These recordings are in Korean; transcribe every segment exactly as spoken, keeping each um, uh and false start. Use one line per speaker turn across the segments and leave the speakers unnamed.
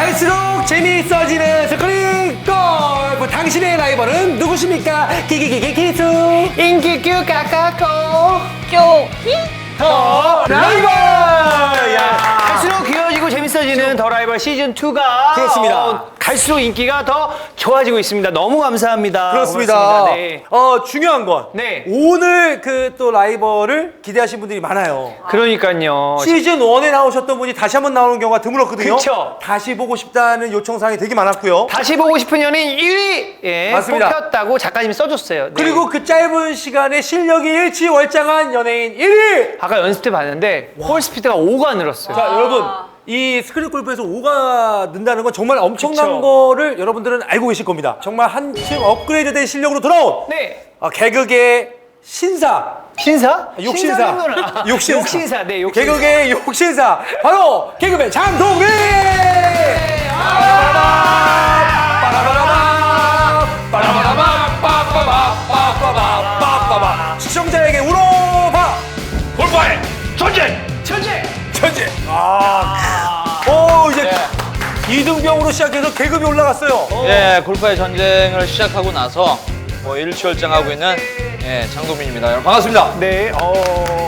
갈수록 재미있어지는 스크린 골프. 당신의 라이벌은 누구십니까? 기기기기 기수
인기규 까까꼬
쪼히
더 라이벌. 야.
갈수록 귀여워지고 재밌어지는 더 라이벌 시즌 이가
그렇습니다.
갈수록 인기가 더 좋아지고 있습니다. 너무 감사합니다.
그렇습니다.
고맙습니다. 네.
어, 중요한 건
네.
오늘 그 또 라이벌을 기대하신 분들이 많아요.
그러니까요.
시즌 일에 나오셨던 분이 다시 한번 나오는 경우가 드물었거든요.
그쵸.
다시 보고 싶다는 요청사항이 되게 많았고요.
다시 보고 싶은 연예인 일 위 예,
맞습니다.
뽑혔다고 작가님이 써줬어요. 네.
그리고 그 짧은 시간에 실력이 일치월장한 연예인 일 위.
아까 연습 때 봤는데 볼 스피드가 오가 늘었어요.
자, 여러분. 이 스크린 골프에서 오가 는다는 건 정말 엄청난
그쵸.
거를 여러분들은 알고 계실 겁니다. 정말 한층 업그레이드된 실력으로 돌아온
네.
어, 개그계 신사.
신사?
욕신사.
신사는 아,
욕신사.
욕신사. 네, 욕신사.
개그계 욕신사. 바로 개그맨 장동민! 빠라바라바. 시청자에게 울어봐!
골파의 전쟁!
천재!
천재! 아. 오, 이제 이등병으로 시작해서 계급이 올라갔어요.
예, 골파의 전쟁을 시작하고 나서 뭐 일취월장하고 있는 예, 장동민입니다. 여러분 반갑습니다.
네, 어.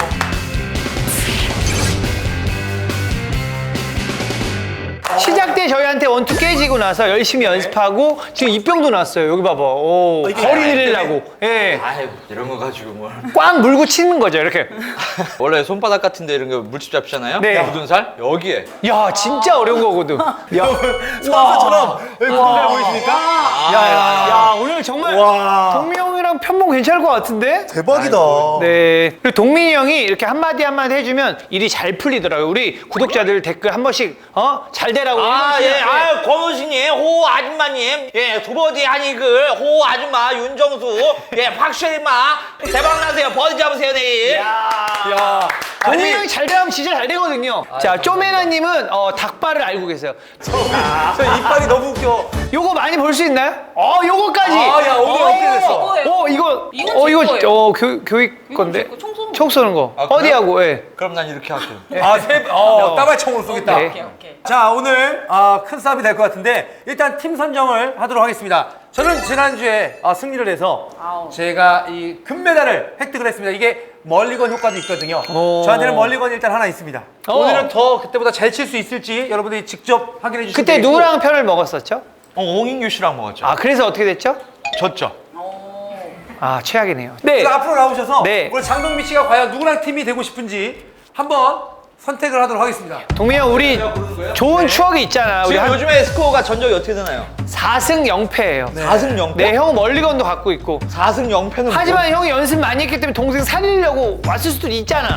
시작 때 저희한테 원투 깨지고 나서 열심히 연습하고 지금 입병도 났어요. 여기 봐봐. 오,
이게
거리
나이
내리려고. 예.
아이고 이런 거 가지고 뭘.
꽉 물고 치는 거죠, 이렇게.
원래 손바닥 같은데 이런 거 물집 잡히잖아요.
네.
묻은 살 여기에.
야, 진짜 어려운 거거든. 야,
선수처럼 여기 분들 보이십니까?
야, 야, 오늘 정말
와.
동민이 형이랑 편봉 괜찮을 것 같은데?
대박이다.
네. 그리고 동민이 형이 이렇게 한마디 한마디 해주면 일이 잘 풀리더라고요. 우리 구독자들 댓글 한 번씩, 어? 잘 되라고.
아,
해주시면
예, 아, 권우신님, 호 아줌마님, 예, 두버디 한이글, 호 아줌마, 윤정수, 예, 박쉐리마, 대박나세요. 버디 잡으세요, 내일.
야.
동민이 형이 잘 되면 진짜 잘 되거든요. 자, 쪼메나님은 어, 닭발을 알고 계세요.
저 이빨이 너무 웃겨.
요거 많이 볼 수 있나요? 어, 요거까지.
아, 야, 오늘 어떻게 됐어?
뭐예요?
어, 이거,
이건
어,
제
이거,
거예요.
어, 교, 교육 건데.
제 거, 총 쏘는 거.
총 쏘는 거.
아, 그래요?
어디하고, 예.
그럼 난 이렇게 할게요.
아, 세, 어, 따발총으로 쏘겠다.
네.
오케이, 오케이.
자, 오늘 아, 큰 싸움이 될 것 같은데 일단 팀 선정을 하도록 하겠습니다. 저는 지난주에 아, 승리를 해서
아우.
제가 이 금메달을 획득을 했습니다. 이게 멀리건 효과도 있거든요.
오.
저한테는 멀리건이 일단 하나 있습니다.
어.
오늘은 더 그때보다 잘 칠 수 있을지 여러분들이 직접 확인해 주시면
그때
되겠고.
누구랑 편을 먹었었죠?
어, 옹인규 씨랑 먹었죠.
아, 그래서 어떻게 됐죠?
졌죠.
아, 최악이네요. 네.
그래서 앞으로 나오셔서
네.
오늘 장동민 씨가 과연 누구랑 팀이 되고 싶은지 한번 선택을 하도록 하겠습니다.
동민이 형, 우리 좋은 추억이 있잖아. 우리
지금
한
요즘에 스코어가 전적이 어떻게 되나요?
사 승 영 패예요. 네.
사 승 영 패?
형은 멀리건도 갖고 있고.
사 승 영 패는
하지만 형이 연습 많이 했기 때문에 동생 살리려고 왔을 수도 있잖아.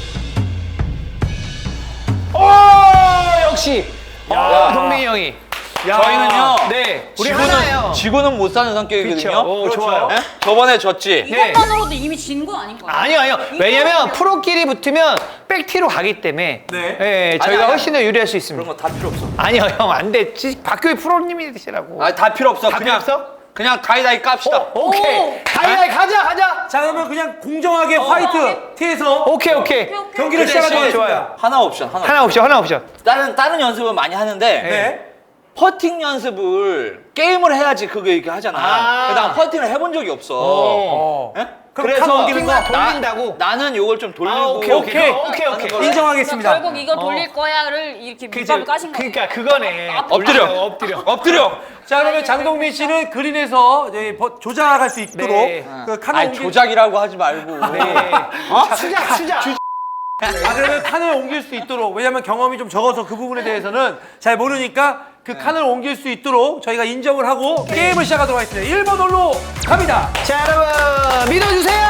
오, 역시. 어, 동민이 형이.
야.
저희는요.
네. 우리 하나예요.
지구는, 지구는 못 사는 성격이거든요.
그쵸. 오,
그렇죠.
좋아요.
예? 저번에 졌지.
네.
이것만으로도 이미 진 건 아닌 거예요?
아니요, 아니요. 왜냐면 프로끼리 붙으면 백티로 가기 때문에
네.
예, 저희가
아니, 아니,
훨씬 더 유리할 수
그런
있습니다.
거 다 필요 없어.
아니요, 형, 안 돼. 지- 박교희 프로님이 되시라고.
아, 다 필요 없어.
다
그냥
필요 없어?
그냥 가이다이 깝시다.
어, 오케이.
오.
가위가위 가자, 가자.
자, 그러면 그냥 공정하게 화이트 티에서
오케이, 오케이.
오케이, 오케이.
경기를
그
시작하도록
대신
하겠습니다.
하나 옵션, 하나.
하나 옵션, 하나 옵션.
다른 다른 연습은 많이 하는데
네.
퍼팅 연습을 게임을 해야지 그거 이렇게 하잖아.
아.
근데 난 퍼팅을 해본 적이 없어.
어.
예?
그럼
그래서
칸 옮기는 거
나- 돌린다고?
나는 요걸 좀 돌리고.
아, 오케이, 오케이.
오케이.
오케이, 오케이.
걸로.
인정하겠습니다.
그러니까 결국 이거 돌릴 거야를 이렇게 밑밥을 까신 거예요.
그러니까 그거네.
엎드려.
아, 엎드려.
엎드려.
자, 그러면 장동민 씨는 그린에서 이제 버- 조작할 수 있도록
네.
그 칸을
아니
옮길
조작이라고 하지 말고.
네. 수작, 수작.
아, 그러면 칸을 옮길 수 있도록, 왜냐면 경험이 좀 적어서 그 부분에 대해서는 잘 모르니까 그 칸을 옮길 수 있도록 저희가 인정을 하고 게임을 시작하도록 하겠습니다. 일 번 홀로 갑니다.
자, 여러분 믿어주세요.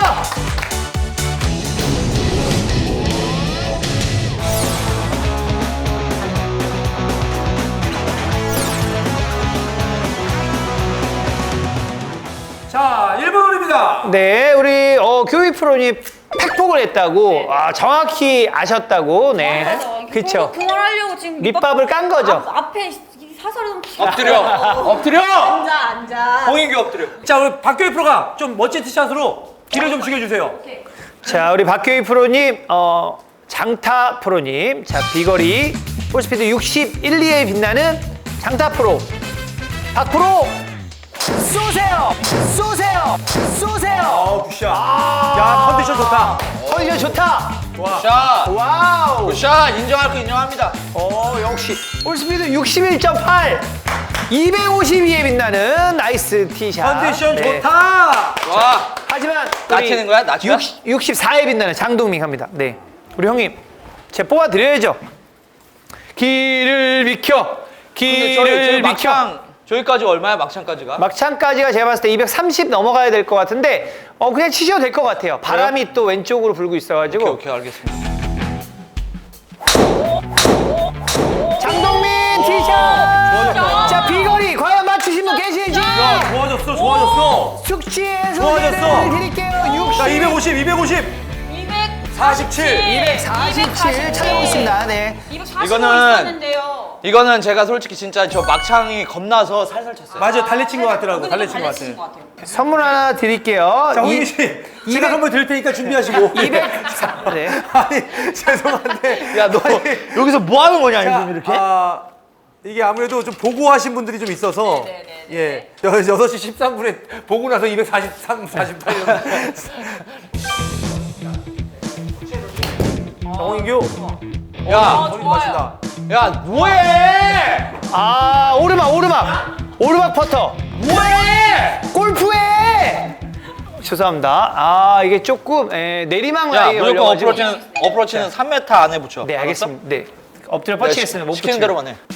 자, 일 번 홀입니다.
네, 우리 어, 교육 프로님 팩폭을 했다고 아, 정확히 아셨다고. 네, 그쵸.
그걸 하려고 지금
밑밥을 깐 거죠.
앞, 앞에 이 사설을 좀
엎드려. 엎드려.
앉아 앉아.
홍인규 엎드려.
자, 우리 박교희 프로가 좀 멋진 티샷으로 길을 좀 죽여주세요.
오케이.
자, 우리 박교희 프로님, 어, 장타 프로님, 자 비거리 볼스피드 육십일, 이에 빛나는 장타 프로. 박 프로. 쏘세요. 쏘세요. 쏘세요.
어, 굿샷. 야, 컨디션 좋다.
컨디션 좋다.
샷.
와우.
샷 인정할 거 인정합니다.
어, 역시 올 스피드 육십일 점 팔. 이백오십이에 빛나는 나이스 티샷.
컨디션
네.
좋다.
와.
하지만
낮추는 거야? 낮춰?
육십사에 빛나는 장동민 갑니다. 네. 우리 형님, 제가 뽑아 드려야죠. 길을 비켜.
근데 저희, 저희
길을 비켜.
막창 저기까지 얼마야? 막창까지가?
막창까지가 제가 봤을 때 이백삼십 넘어가야 될 것 같은데 어 그냥 치셔도 될 것 같아요. 바람이 또 왼쪽으로 불고 있어가지고.
오케이, 오케이, 알겠습니다.
장동민 티샷. 자 비거리 과연 맞추신 분 계시지?
야, 좋아졌어, 좋아졌어.
숙지의
좋아졌어.
소개를 드릴게요. 육십.
자, 이백오십, 이백오십.
이백사십칠.
이백사십칠 찾아오고 있습니다. 네.
이백사십오
이거는-
있었는데요.
이거는 제가 솔직히 진짜 저 막창이 겁나서 살살 쳤어요.
맞아요, 달래친 것 같더라고.
그러니까
달래친 것
달래친
같아.
것 같아요.
선물 하나 드릴게요.
자,
이-
홍민 씨. 제가 선물 드릴 테니까 준비하시고.
이백. 네.
아니, 죄송한데.
야, 너
아니,
여기서 뭐 하는 거냐,
자,
지금 이렇게?
아, 이게 아무래도 좀 보고 하신 분들이 좀 있어서.
네네네.
예. 여섯 시 십삼 분에 보고 나서 이백사십삼, 사십팔 이런. 정인규.
야,
아,
머리
좋아요.
맞춘다.
야, 뭐해?
아 오르막 오르막 오르막 퍼터.
뭐해?
골프에. 죄송합니다. 아 이게 조금 에, 내리막
야,
라인에
무조건
올려가지고.
어프로치는 어프로치는 삼 미터 안에 붙여.
네
알았어?
알겠습니다. 네 엎드려
야,
뻗치겠습니다. 못
시키는
붙이면.
대로만 해.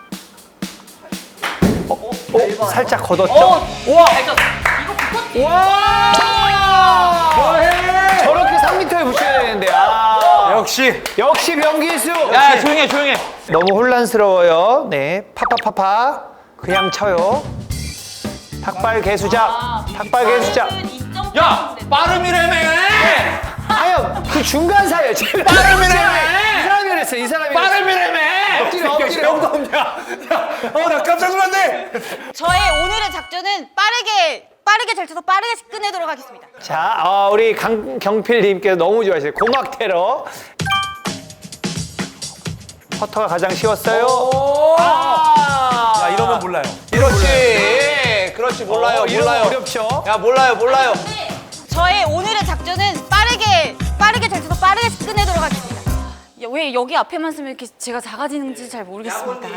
어, 살짝 걷었죠.
어,
우와.
잘 쳤어. 이거 붙었지.
와.
뭐해?
저렇게 삼 미터에 붙여야 되는데. 아.
역시.
역시 명기수.
야, 조용히 해, 조용히 해.
너무 혼란스러워요. 네, 파파파파 그냥 쳐요. 닭발 개수작,
아,
닭발 개수작.
야, 빠름이라며!
아유, 그 중간 사이에 제가
빠름이라며!
이 사람이 그랬어, 이 사람이. 그랬어.
빠름이라며!
엎드려, 엎드려.
영도 없냐? 야, 어, 나 깜짝 놀랐네.
저의 오늘의 작전은 빠르게 빠르게 잘 쳐서 빠르게 끝내도록 하겠습니다.
자, 어, 우리 강경필님께서 너무 좋아하시네요. 고막 테러. 퍼터가 가장 쉬웠어요. 아,
야, 이러면 몰라요.
그렇지. 그렇지, 몰라요,
어, 이런 거
몰라요.
어렵죠.
야, 몰라요, 몰라요.
네, 저의 오늘의 작전은 빠르게 빠르게 잘 쳐서 빠르게 끝내도록 하겠습니다. 야, 왜 여기 앞에만 쓰면 이렇게 제가 작아지는지 잘 모르겠습니다.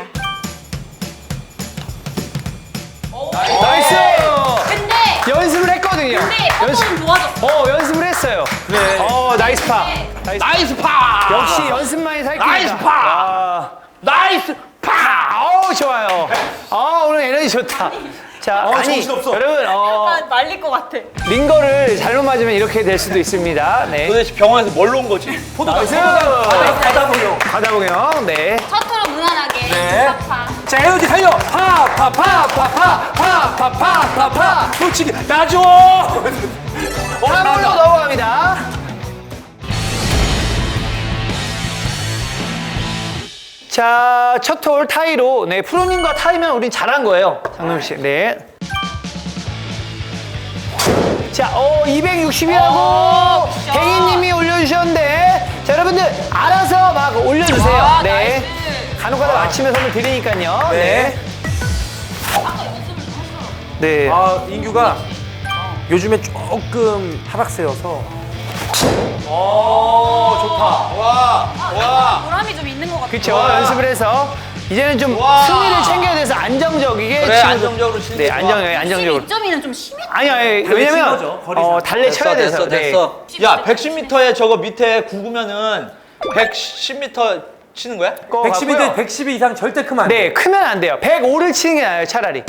나이스.
근데
연습을 했거든요.
근데
연습.
퍼터는 좋아졌어.
어, 연습을 했어요.
그래.
어, 나이스 파. 나이스.
나이스 파!
역시 연습만이 살깁니다.
나이스 파!
아,
나이스 파!
어우 좋아요. 아 오늘 에너지 좋다. 자,
어,
아니
정신없어.
여러분 어,
약간 말릴 것 같아.
링거를 잘못 맞으면 이렇게 될 수도 있습니다. 네.
도대체 병원에서 뭘로 온 거지?
포도당,
나이스.
포도당. 바다 보여.
가다보경. 네.
첫토로 무난하게.
네.
파.
자, 에너지 살려. 파, 파, 파, 파, 파, 파, 파, 파, 파, 파. 솔직히 나줘.
삼으로 넘어갑니다. 자, 첫 홀 타이로 네 프로님과 타이면 우린 잘한 거예요. 장동민 씨. 네. 자, 어 이백육십이라고
오, 굿샷.
댕이님이 올려주셨는데, 자 여러분들 알아서 막 올려주세요.
아,
네.
나이스.
간혹가다 맞히면 선물 드리니까요.
네.
네.
아, 인규가 요즘에 조금 하락세여서. 오, 좋다.
와, 와.
보람이 좀 있는 것 같아.
그렇죠.
와.
연습을 해서 이제는 좀
와.
승리를 챙겨야 돼서 안정적이게
그래,
치는-
안정적으로 치는
네,
게 좋아.
안정적이게 안정적으로.
이 점이는 좀 심해.
아니 아니
달래 친
왜냐면
거죠, 거리상.
어, 달래 쳐야 돼서.
됐어, 됐어. 야, 백십 미터에 저거 밑에 구구면은 백십 미터 치는 거야?
네.
백십인데 백십이 이상 절대 크면 안 돼.
네, 크면 안 돼요. 백오를 치는 게 나아요, 차라리.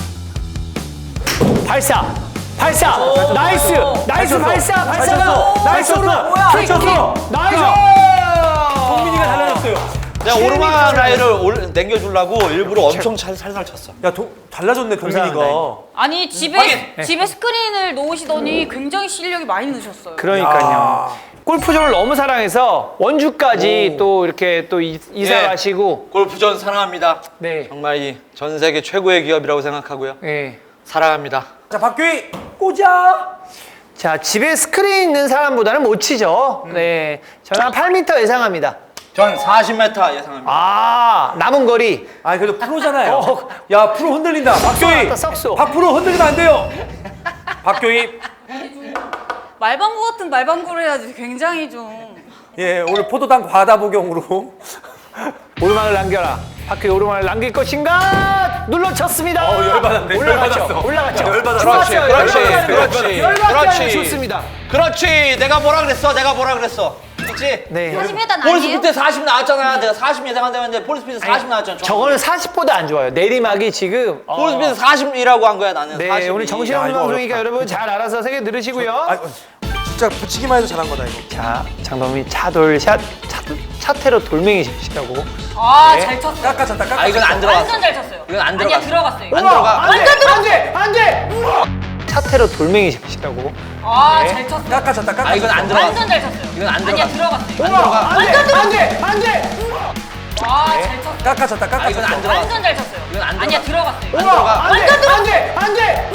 발사. 발사. 나이스. 나이스
쳤어.
발사.
잘
발사가.
쳤어.
나이스
잘
오르막.
쳤어.
뭐야?
잘
킥,
쳤어.
킥. 나이스.
동민이가 달라졌어요.
내가
칠
오르막
미터
라인을 올- 당겨주려고 일부러 엄청 잘, 살살 쳤어.
야, 도, 달라졌네, 동민이가.
감사합니다.
아니 집에
확인.
집에 스크린을 놓으시더니 굉장히 실력이 많이 느셨어요.
그러니까요.
야.
골프장을 너무 사랑해서 원주까지 또 이렇게 또 이- 이사
예.
가시고.
골프전 사랑합니다.
네.
정말 이 전 세계 최고의 기업이라고 생각하고요.
네.
사랑합니다.
자, 박규희, 꽂아.
자, 집에 스크린 있는 사람보다는 못 치죠. 네. 저는 한 팔 미터 예상합니다.
전 사십 미터 예상합니다.
아, 남은 거리.
아 그래도 프로잖아요.
어.
야 프로 흔들린다. 박교희.
썩소, 썩소.
박프로 흔들리면 안 돼요. 박교희.
말방구 같은 말방구를 해야지. 굉장히 좀.
예 오늘 포도당 과다 복용으로.
오르막을 남겨라. 박효희 오르막을 남길 것인가? 눌러쳤습니다.
어, 열받았네.
올라갔죠.
열받았어.
올라갔죠.
열받았어.
좋았어요.
그렇지,
열받지
그렇지,
않아요. 열받지
그렇지.
않아요. 좋습니다.
그렇지. 내가 뭐라 그랬어? 내가 뭐라 그랬어? 그렇지?
네.
사십 미터는
폴스
아니에요?
피트 사십 나왔잖아. 내가 사십 예상한다는데 폴스 피트 사십 나왔잖아.
저거는 사십보다 안 좋아요. 내리막이 지금. 어.
폴스 피트 사십이라고 한 거야 나는.
네,
사십이.
오늘 정신없는
야, 이거
방송이니까
어렵다.
여러분 잘 알아서 새겨 들으시고요.
아 진짜 붙이기만 해도 잘한 거다 이거.
자, 장동민 차돌샷, 차, 차태로 돌멩이 샷이라고.
아,
네.
잘 쳤어요.
깎아쳤다 깎아.
아 이건 안 들어갔어.
완전 잘 쳤어요.
이건 안
아니야,
들어갔어.
들어갔어요.
안 들어가.
안 돼, 안 돼, 안 돼. 차태로 돌멩이 샷이라고.
아,
네.
잘 쳤어요.
깎아쳤다 깎아.
아 이건 안 들어갔어.
완전 잘 쳤어요.
이건 안
아니야,
들어갔어.
들어갔어요.
안 들어가.
안 돼, 안 돼, 안 돼.
아, 잘 쳤어요.
깎아쳤다
아 이건
깎아쳤다.
안 들어갔어.
완전 잘 쳤어요.
이건 안
아니야,
들어갔어.
들어갔어요.
안 들어가.
안 돼, 안 돼, 안 돼.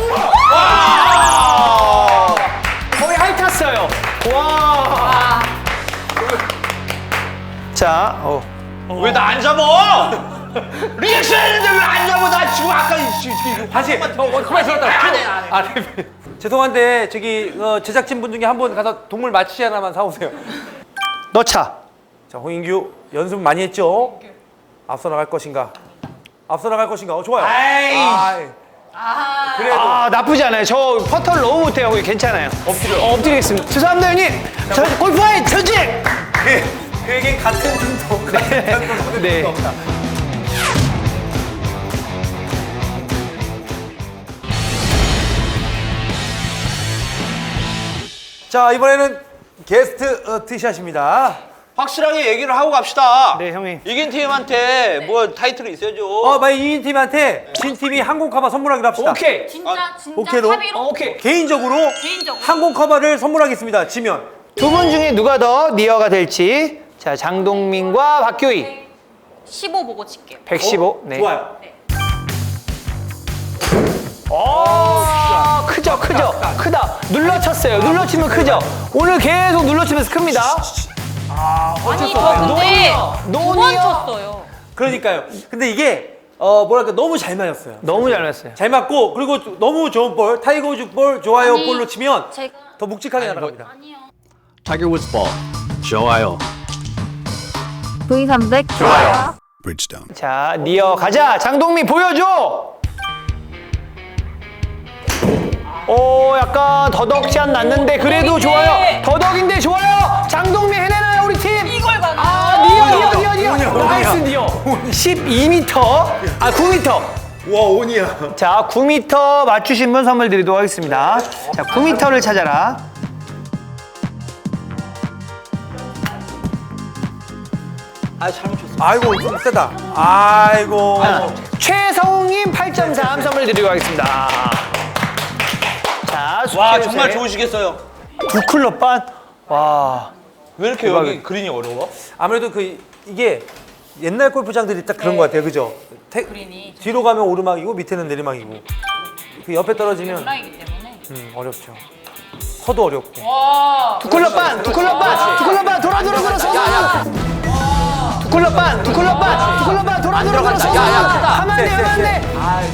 와.
거의 핥았어요. 와. 자, 어.
왜 나 안 잡아? 리액션 했는데 왜 안 잡아? 나 지금 아까 이- 이- 이-
다시. 어, 어, 가만히 있었다.
안 해, 안 해.
아, 네. 죄송한데 저기 어, 제작진 분 중에 한 분 가서 동물 마취 하나만 사오세요.
넣자.
자 홍인규 연습 많이 했죠? 앞서 나갈 것인가? 앞서 나갈 것인가? 어 좋아요.
아이.
아이. 그래도
아, 나쁘지 않아요. 저 퍼터를 너무 못해요. 거기 괜찮아요. 엎드려. 어, 엎드리겠습니다. 죄송합니다, 형님. 저 골프와의 전직.
그, 그에겐 같은 팀도 같은 팀도
네.
네. 없다. 자 이번에는 게스트 어, 티샷입니다.
확실하게 얘기를 하고 갑시다.
네, 형님.
이긴 팀한테 뭐 타이틀이 있어야죠.
어, 만약 이긴 팀한테 진 팀이 항공 커버 선물하기로 합시다.
오케이.
진짜, 진짜
오케이로?
합의로?
어, 오케이.
개인적으로
개인적으로?
항공 커버를 선물하겠습니다. 지면.
두 분 중에 누가 더 니어가 될지. 자, 장동민과 박교희.
십오 보고 칠게요.
백십오. 네.
좋아요.
오, 크죠, 크죠. 크다. 눌러쳤어요. 눌러치면 크죠. 오늘 계속 눌러치면서 큽니다.
아니, 저 근데
노니어.
두 번 쳤어요.
그러니까요. 근데 이게 어 뭐랄까 너무 잘 맞았어요.
너무 잘 맞았어요.
잘 맞고 그리고 또 너무 좋은 볼 타이거 우즈 볼 좋아요
아니,
볼로 치면
제가
더 묵직하게 날아갑니다.
아니요.
Tiger Woods ball. 좋아요.
V 삼백 좋아요.
Bridgestone.
자, 니어 가자. 장동민 보여줘. 오, 약간 더덕샷 났는데 그래도 좋아요. 더덕인데 좋아요. 장동민 해내나요, 우리 팀?
이걸 가나?
아, 니어, 니어, 니어, 니어.
오냐, 오냐.
나이스 니어. 십이 미터. 아, 구 미터.
와 온이야.
자, 구 미터 맞추신 분 선물 드리도록 하겠습니다. 자, 구 미터를 찾아라.
아 잘못 쳤어.
아이고 좀 세다. 아이고.
자, 최성웅님 팔 점 삼 선물 드리도록 하겠습니다. 자,
와
숙제요새.
정말 좋으시겠어요.
두 클럽 반. 와.
왜 이렇게
대박이다.
여기 그린이 어려워?
아무래도 그 이게 옛날 골프장들이 딱 그런 것 같아요, 그죠? 태-
그린이
뒤로 가면 오르막이고 밑에는 내리막이고 그 옆에 떨어지면
온라인이기 때문에.
음, 어렵죠. 서도 어렵고.
와.
두 클럽 반, 두 클럽 반, 두 클럽 반, 돌아, 돌아, 돌아, 서, 서, 서. 두 클럽 반, 두 클럽 반, 두 클럽 반, 돌아, 돌아, 돌아, 서, 서, 서. 하면 안 돼, 하면 안 돼.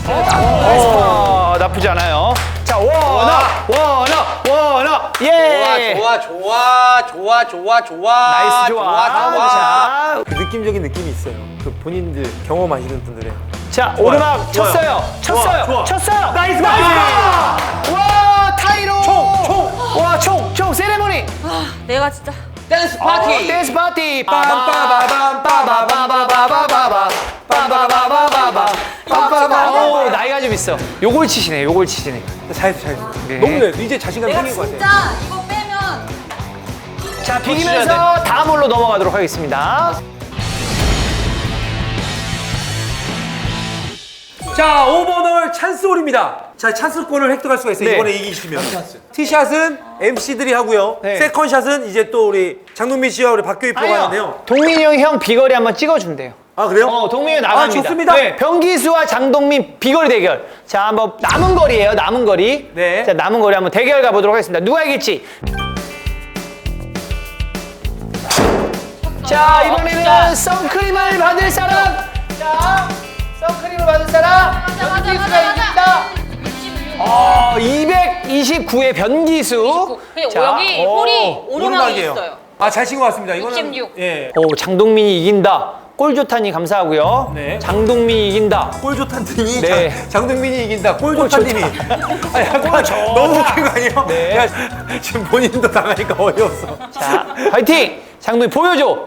어, 나쁘지 않아요. 자, 원어, 원어, 원어, 예.
좋아 좋아 좋아 좋아 좋아.
나이스 좋아.
좋아 좋아.
자,
그 느낌적인 느낌이 있어요. 그 본인들 경험하시는 분들의.
자, 오르막
좋아요.
쳤어요, 쳤어요,
좋아, 좋아.
쳤어요.
나이스,
나이스.
나이스.
와, 타이로.
총, 총.
와, 총, 총 세레모니.
아, 내가 진짜
댄스
어,
파티.
댄스 파티.
빰빠바밤 빠바바바바바바바 빰빠바바바바바 빰빠바바.
어, 나이가 좀 있어. 요걸 치시네, 요걸 치시네.
잘했어, 잘했어.
네.
너무 돼. 이제 자신감
내가
생긴 것 같아.
진짜 이거 빼면
자, 비기면서 다음 홀로 넘어가도록 하겠습니다.
자, 오 번 홀 찬스 홀입니다. 자, 찬스권을 획득할 수가 있어요.
네.
이번에 이기시면. 티샷은 엠씨들이 하고요.
네.
세컨샷은 이제 또 우리 장동민 씨와 우리 박교희 프로가 하는데요.
동민이 형이 형 비거리 한번 찍어준대요.
아, 그래요?
어, 동민이 나갑니다.
아, 좋습니다.
네, 병기수와 장동민 비거리 대결. 자, 한번 남은 거리예요, 남은 거리.
네.
자, 남은 거리 한번 대결 가보도록 하겠습니다. 누가 이길지. 자, 이번에는 선크림을 받을 사람. 자, 선크림을 받을 사람.
맞아, 맞아,
변기수가
맞아,
이긴다. 어, 이백이십구의 변기수.
근데
자,
여기
오.
홀이 오르막이
오르막이에요.
있어요.
아, 잘 친 것 같습니다. 이거는
육십육.
예.
오, 장동민이 이긴다. 골 좋다니 감사하고요.
네.
장동민이 이긴다.
골 좋단 님이
네.
장- 장동민이 이긴다. 골 좋단 님이. 아, 약간
좋다.
너무 웃긴 거 아니에요?
네.
야, 지금 본인도 당하니까 어이없어.
자, 화이팅! 장동민 보여줘.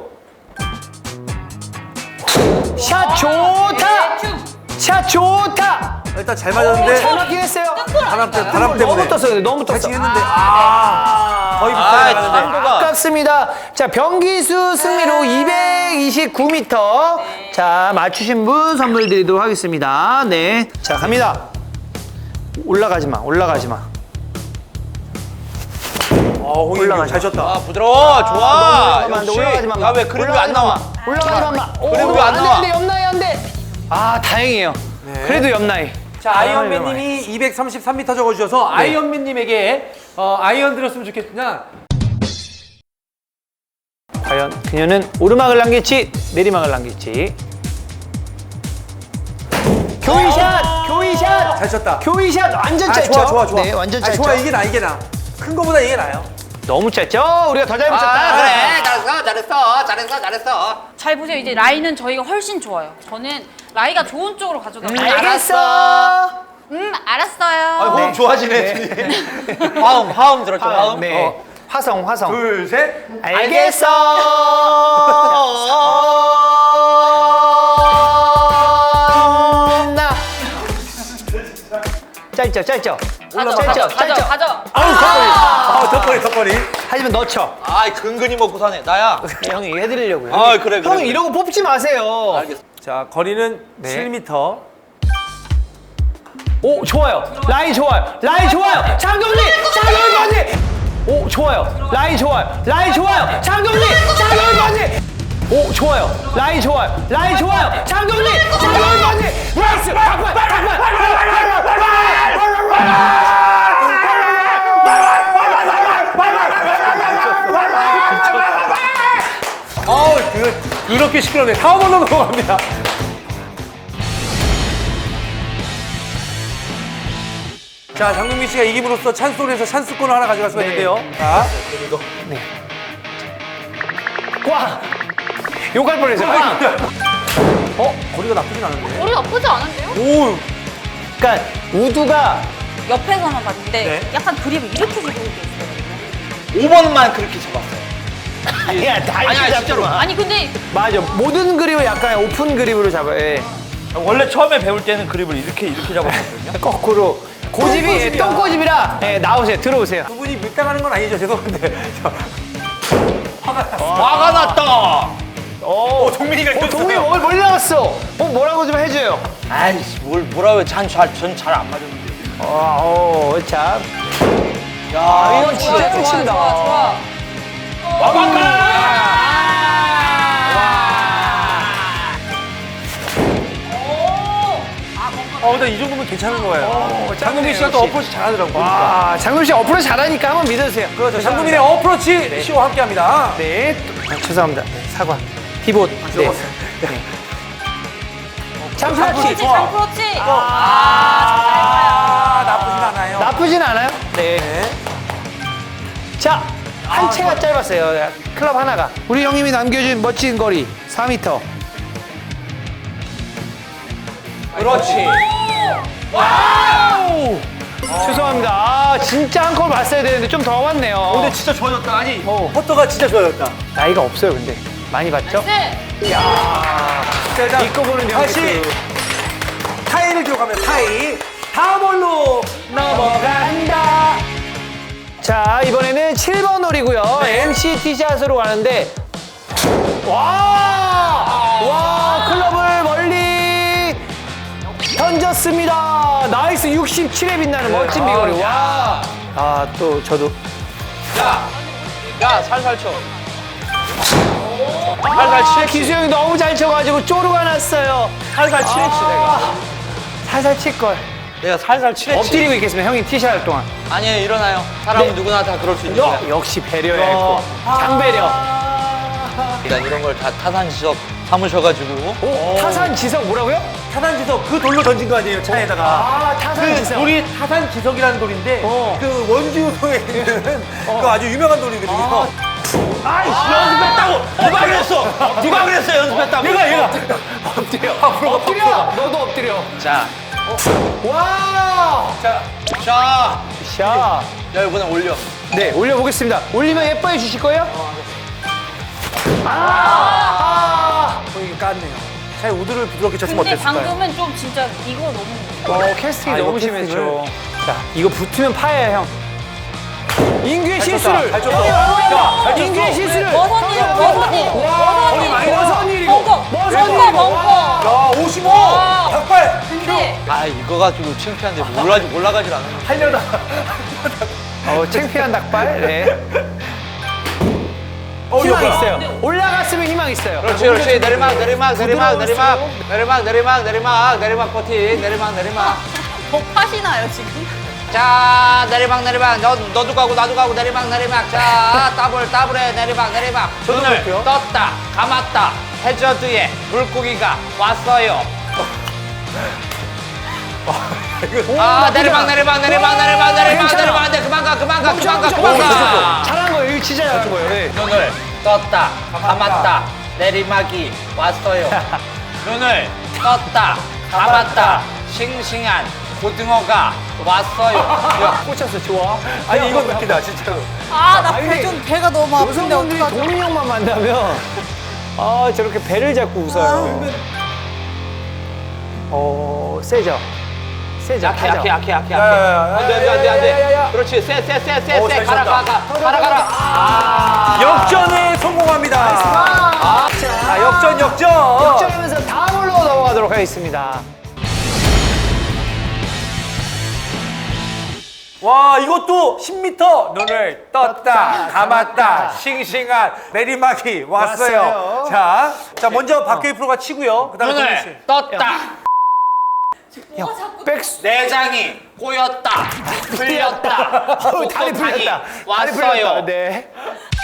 샷 좋다. 샷 좋다.
일단 잘
오,
맞았는데
잘 맞긴 했어요.
바람, 때, 바람 때문에
너무 떴어요. 너무 떴어.
잘 치겠는데 아, 거의 비슷하게
아,
나가는데.
참고가.
아깝습니다. 자, 변기수 승리로 이백이십구 미터. 자, 맞추신 분 선물 드리도록 하겠습니다. 네. 자, 갑니다. 올라가지 마. 올라가지 마.
어, 홍이
올라가자.
잘 쳤다.
아 부드러워 좋아.
올라가지 마.
역시.
올라가지 마.
야왜 그림 왜 안 나와?
올라가지 마.
그래도 왜안 나와?
안 돼, 옆나이 안 돼. 아, 다행이에요. 그래도 옆나이.
자, 아이언맨님이 이백삼십삼 미터 적어주셔서 아이언맨님에게 어, 아이언 드렸으면 좋겠으나
과연 그녀는 오르막을 남길지 내리막을 남길지. 교위샷! 교위샷!
잘 쳤다.
교위샷 완전
아,
짧죠?
좋아, 좋아, 좋아.
네, 완전
아,
짧죠?
좋아, 이게 나, 이게 나. 큰 거보다 이게 나요.
너무 짧죠? 우리가 더 잘 붙였다.
아 그래 잘했어 잘했어 잘했어 잘했어.
잘 보세요. 이제 라이는 저희가 훨씬 좋아요. 저는 라이가 좋은 쪽으로 가져가요.
알겠어.
음, 알았어요.
아, 호흡
네.
좋아지네. 뒤에. 화음 화음 들었죠 화음.
네.
어.
화성, 화성.
둘, 셋.
알겠어. 나. 짧죠, 짧죠.
가져,
짧죠,
가져, 가져,
짧죠.
가져.
아우, 턱걸이. 아우, 턱걸이, 턱걸이.
하지만 넣죠.
아이 근근히 먹고 사네 나야.
형이 이거 해드리려고요.
아, 그래, 그래,
형
그래.
이러고 뽑지 마세요.
알겠어.
자, 거리는
네.
칠 미터.
오, 좋아요. 라인 좋아요. 라인 좋아요. 장동민, 장동민 번지. 오, 좋아요. 라인 좋아요. 라인 좋아요. 장동민, 장동민 번지. 오, 좋아요. 라인 좋아요. 라인 좋아요. 장동민, 장동민 번지. 나이스. 박발, 박발.
어우, 그, 그렇게 시끄럽네. 다음으로 넘어갑니다. 자, 장동민 씨가 이김으로써 찬스홀에서 찬스권을 하나 가져갈 수가
네.
있는데요. 자,
꽝. 욕할 뻔했어요. 꽝.
어? 거리가 나쁘진 않은데.
머리 나쁘지 않은데요?
오,
그러니까 우두가
옆에서만 봤는데
네.
약간 그립이 이렇게 지고 있어요.
오 번만 그렇게 잡았어요.
야, 다
아니, 아니, 진짜로.
아니 근데
맞아. 모든 그립을 약간 오픈 그립으로 잡아요. 예.
원래 처음에 배울 때는 그립을 이렇게 이렇게 잡았거든요.
거꾸로. 고집이
똥꼬집이야.
똥꼬집이라 예, 나오세요. 들어오세요.
두 분이 밀당하는 건 아니죠. 죄송한데. 저, 화가 났어.
화가 났다.
오,
동민이가
어, 동민이 뭘 멀리 나왔어. 어, 뭐라고 좀 해줘요.
아이씨 뭘 뭐라고 전잘 안 맞았는데.
어, 어, 참.
야
이건 진짜
좋아,
끝친다.
좋아, 좋아.
어, 근데 이 정도면 괜찮은 거예요. 장동민 씨가 또
역시.
어프로치 잘하더라고. 보니까.
아, 장동 씨 어프로치 잘하니까 한번 믿어주세요.
그렇죠. 장동민의 어프로치 쇼와 함께 합니다.
네. 아, 죄송합니다. 네, 사과. 피봇. 네.
적었어요.
장프라치.
그렇지,
좋아.
장 그렇지.
아, 나쁘진 않아요.
나쁘진 않아요. 네.
네.
자, 한 채가 짧았어요. 클럽 하나가. 우리 형님이 남겨준 멋진 거리 사 미터.
그렇지.
와우! 죄송합니다. 아, 진짜 한 콜 봤어야 되는데 좀 더 왔네요.
근데 진짜 좋아졌다. 아니,
어.
퍼터가 진짜 좋아졌다.
나이가 없어요, 근데. 많이 봤죠?
네.
자,
믿고 보는
다시
경기.
타이를 기록하면 타이. 다음 홀로 넘어간다.
자, 이번에는 칠 번 홀이고요. 엠씨 티샷으로 가는데. 와! 와, 클럽을 멀리 던졌습니다. 나이스 육십칠에 빛나는 멋진 비거리. 와! 아, 또 저도.
야, 야 살살 쳐. 살살 치.
기수 형이 너무 잘 쳐가지고 쪼르가 났어요.
살살 치랬지 내가.
살살 칠걸.
내가 살살 치랬지.
엎드리고 있겠습니다. 형이 티샷 할 동안.
아니에요 일어나요. 사람은 누구나 다 그럴 수 있는 거야.
역시 배려야 했고. 장배려.
일단 이런 걸 다 타산지석 삼으셔가지고.
오, 타산 지석 뭐라고요?
타산지석 그 돌로 던진 거 아니에요 차에다가.
아, 타산
그
지석.
돌이 타산지석이라는 돌인데
어.
그 원주에 있는 그 아주 유명한 돌이거든요.
아이씨, 연습했다고! 누가 그랬어? 누가 그랬어, 연습했다고?
얘가 얘가
엎드려. 엎드려. 너도 엎드려.
자,
와.
자, 자.
샤.
야, 이번엔 올려.
네, 올려보겠습니다. 올리면 예뻐해 주실 거예요? 아.
보이게 깠네요. 차에 우드를 부드럽게 쳤으면
근데
어땠을까요?
방금은 좀 진짜 이거 너무.
어, 캐스팅이
아, 이거
너무
캐스팅을.
심했죠. 자, 이거 붙으면 파예요, 형. 인규의
잘
실수를.
쳤다, 잘 쳤어. 야, 잘
인규의
쳤어.
실수를.
머선 일, 머선 일, 머선 일.
많이 나.
머선 일이고.
벙커, 벙커, 벙커.
야, 오십오!
와.
닭발!
근데
아, 이거 가지고 창피한데 몰라, 올라가질 않아.
하려다.
어, 창피한 닭발. 네.
어,
희망
이거
있어요. 올라갔으면 희망 있어요.
그렇지, 그렇지. 내리막, 내리막, 내리막, 내리막. 내리막, 내리막, 내리막, 내리막 버티. 내리막, 내리막.
더 파시나요 지금?
자, 내리막, 내리막. 너, 너도 가고, 나도 가고, 내리막, 내리막. 자, 더블, 더블에 내리막, 내리막. 눈을
볼게요.
떴다, 감았다. 해저드에 물고기가 왔어요. 아, 내리막, 내리막, 내리막, 내리막, 내리막,
괜찮아.
내리막. 안 돼, 그만 가, 그만 가, 그만 가,
멈춰,
그만
멈춰.
가.
잘한 거예요. 이거 진짜 잘한 거예요. 네.
눈을 떴다, 감았다. 내리막이 왔어요. 눈을 떴다, 감았다. 싱싱한 고등어가 왔어요. 야,
꽂혔어. 좋아.
아니, 이건 웃기다, 진짜로.
아, 나
아니,
배 좀 배가 너무 아픈데
여성분들이
어떡하지?
동희 형만 만나면 아 저렇게 배를 잡고 웃어요. 어 세죠. 세죠.
약해, 약해, 약해, 약해,
야, 야, 야,
약해. 안 돼, 안 돼, 안 돼, 안
야, 야, 야, 야.
돼. 그렇지, 쎄, 쎄, 쎄, 쎄,
오,
쎄.
잘
가라,
쳤다.
가라, 가라, 가라. 아,
역전에 성공합니다. 아, 자, 역전, 역전.
역전하면서 다음으로 넘어가도록 하겠습니다.
와, 이것도 십 미터 눈을 떴다, 감았다, 싱싱한 내리막이 왔어요.
왔어요.
자, 자 먼저 박효희 프로가 치고요. 그다음에 동민 씨.
눈을 떴다.
야, 백스.
내장이 꼬였다. 풀렸다.
어우, 다리 풀렸다. 다리
왔어요.
풀렸다. 네.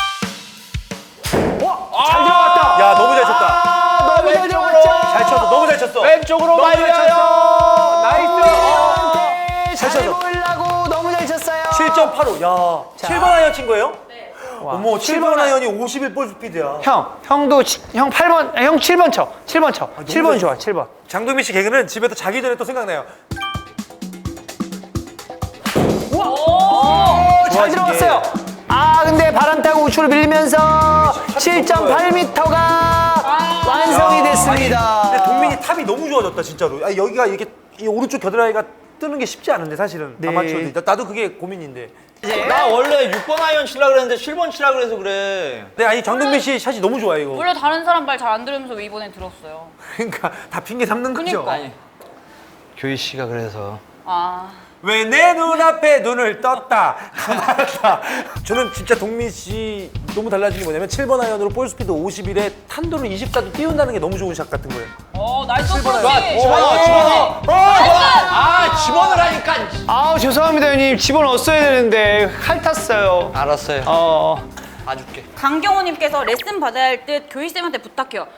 와, 잘
아,
들어갔다.
야, 너무 잘 쳤다.
아, 너무 잘
왼쪽으로.
들어갔죠.
잘 쳤어, 너무 잘 쳤어.
왼쪽으로
너무 잘
말려요.
쳤어. 나이스.
네,
잘
잘
쳤어.
보이려고 너무 잘 쳤어요.
칠 점 팔오. 야, 칠 번 아이언 친 거예요?
네.
어머, 칠 번 아이언이 오십일 볼 스피드야.
형, 형도 치- 형 팔 번, 아, 형 칠 번 쳐. 칠 번 쳐. 칠 번
잘
좋아, 칠 번.
장동민 씨 개그는 집에서 자기 전에 또 생각나요.
오, 잘
좋아진
들어갔어요. 아, 근데 바람 타고 우측으로 밀리면서 칠 점 팔 미터가 완성이 됐습니다.
근데 동민이 탑이 너무 좋아졌다 진짜로. 아, 여기가 이렇게 이 오른쪽 겨드랑이가 뜨는 게 쉽지 않은데 사실은
네.
아마추어들. 나- 나도 그게 고민인데.
나 원래 육 번 아이언 치려고 그랬는데 칠 번 치려고 그래서 그래.
네, 아니 정동민 씨 샷이 너무 좋아 이거.
원래 다른 사람 말 잘 안 들으면서 왜 이번엔 들었어요?
그러니까 다 핑계 삼는 거죠.
그니까.
아니, 교희 씨가 그래서.
아,
왜 내 눈앞에 눈을 떴다 감았다. 저는 진짜 동민 씨 너무 달라진 게 뭐냐면 칠 번 아이언으로 볼 스피드 오십일에 탄도를 이십사도 띄운다는 게 너무 좋은 샷 같은 거예요.
어, 나이스
번
어프로치.
아이언.
집어넣어, 집어넣어. 아, 집어넣을 하니까.
아우, 죄송합니다, 형님. 집어넣었어야 되는데 핥았어요.
알았어요.
어,
봐줄게.
강경호님께서 레슨 받아야 할 듯 교희쌤한테 부탁해요.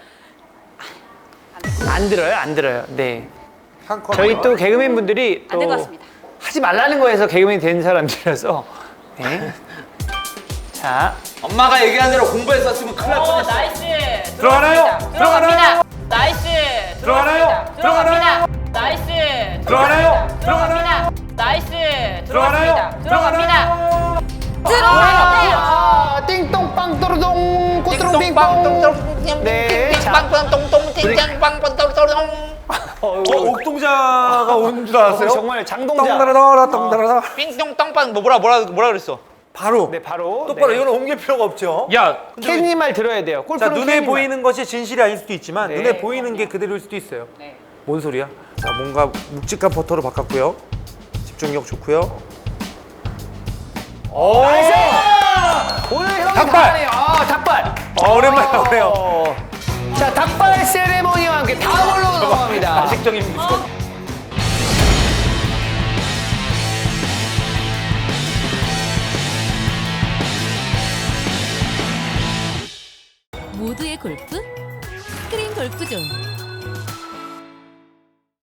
안 들어요, 안 들어요. 네.
한 컷.
저희 또 개그맨 분들이
안
또
될 것 같습니다.
하지 말라는 거에서 개그맨이 된 사람들이라서. 네. 자,
엄마가 얘기한 대로 공부했었으면 큰일 날
오,
뻔했어.
나이스.
들어가나요?
들어갑니다.
들어가나요?
나이스.
들어가나요?
들어갑니다. 나이스.
들어가나요?
들어갑니다. 나이스.
들어가나요?
들어갑니다. 들어갑니다.
들어가나요?
들어가요.
아, 띵똥빵 또르동 꼬뚜롱 빙뽕. 네, 자.
빵빵똥똥 띵땅빵빵똥똥
어, 옥동자가 온 줄 알았어요?
어, 정말 장동자.
똥다라다라 똥다라다.
삥똥땅빵 뭐 뭐라 뭐라 뭐라 그랬어?
바로.
네, 바로.
똑바로
네.
이거는 옮길 필요가 없죠.
야,
케이님 말 들어야 돼요.
자,
골프는
눈에
케이님 말.
보이는 것이 진실이 아닐 수도 있지만
네.
눈에 보이는 게 그대로일 수도 있어요.
네.
뭔 소리야? 자, 뭔가 묵직한 퍼터로 바꿨고요. 집중력 좋고요. 오!
오늘 형이
닭발!
잘하네요. 아, 닭발.
어, 오랜만에 나오네요.
어. 자, 닭발 세레모니와 함께 다음으로 넘어갑니다.
가식적인 미소.
골프 스크린 골프존